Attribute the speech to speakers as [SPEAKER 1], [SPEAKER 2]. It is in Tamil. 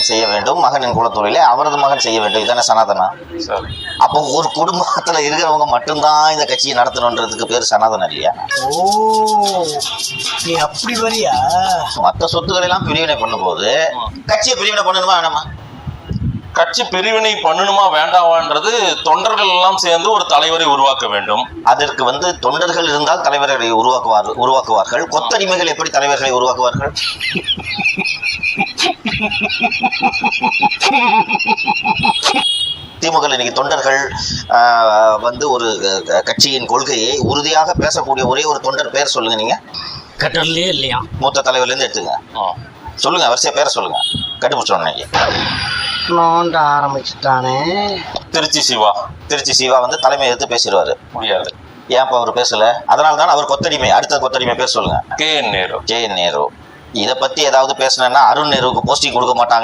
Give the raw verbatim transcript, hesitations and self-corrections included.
[SPEAKER 1] மகன் செய்ய வேண்டும், மகனின் குலத்தொழிலை அவரது மகன் செய்ய வேண்டும். இதுதானே சனாதனா? அப்போ ஒரு குடும்பத்துல இருக்கிறவங்க மட்டும்தான் இந்த கட்சியை நடத்தணுன்றதுக்கு பேர் சனாதனம் இல்லையா?
[SPEAKER 2] ஓ, நீ அப்படி வரியா?
[SPEAKER 1] மற்ற சொத்துக்களை எல்லாம் பிரிவினை பண்ணும்போது கட்சியை பிரிவினை பண்ணணுமா வேணாமா?
[SPEAKER 3] கட்சி பிரிவினை பண்ணணுமா வேண்டாமான்றது தொண்டர்கள் எல்லாம் சேர்ந்து ஒரு தலைவரை உருவாக்க வேண்டும்.
[SPEAKER 1] அதற்கு வந்து தொண்டர்கள் இருந்தால் தலைவர்களை உருவாக்குவார் உருவாக்குவார்கள் கொத்தடிமைகள் எப்படி தலைவர்களை உருவாக்குவார்கள்? திமுக இன்னைக்கு தொண்டர்கள் வந்து ஒரு கட்சியின் கொள்கையை உறுதியாக பேசக்கூடிய ஒரே ஒரு தொண்டர் பேர் சொல்லுங்க. நீங்க
[SPEAKER 2] கட்டலே இல்லையா?
[SPEAKER 1] மூத்த தலைவர்ல இருந்து எடுத்துங்க, சொல்லுங்க, வரிசையா பேரை சொல்லுங்க, கண்டுபிடிச்சோம்.
[SPEAKER 2] நோண்ட ஆரம்பிச்சுட்டானே.
[SPEAKER 1] திருச்சி சிவா. திருச்சி சிவா வந்து தலைமை எடுத்து பேசிடுவாரு.
[SPEAKER 3] முடியாது.
[SPEAKER 1] ஏன்ப்பா அவர் பேசல? அதனால தான் அவர் கொத்தடிமை. அடுத்த கொத்தடிமை பேர் சொல்லுங்க.
[SPEAKER 3] கே என் நேரு.
[SPEAKER 1] கே என் நேரு. இதை பத்தி ஏதாவது பேசினா அருண் நேருவுக்கு போஸ்டிங் கொடுக்க மாட்டாங்க.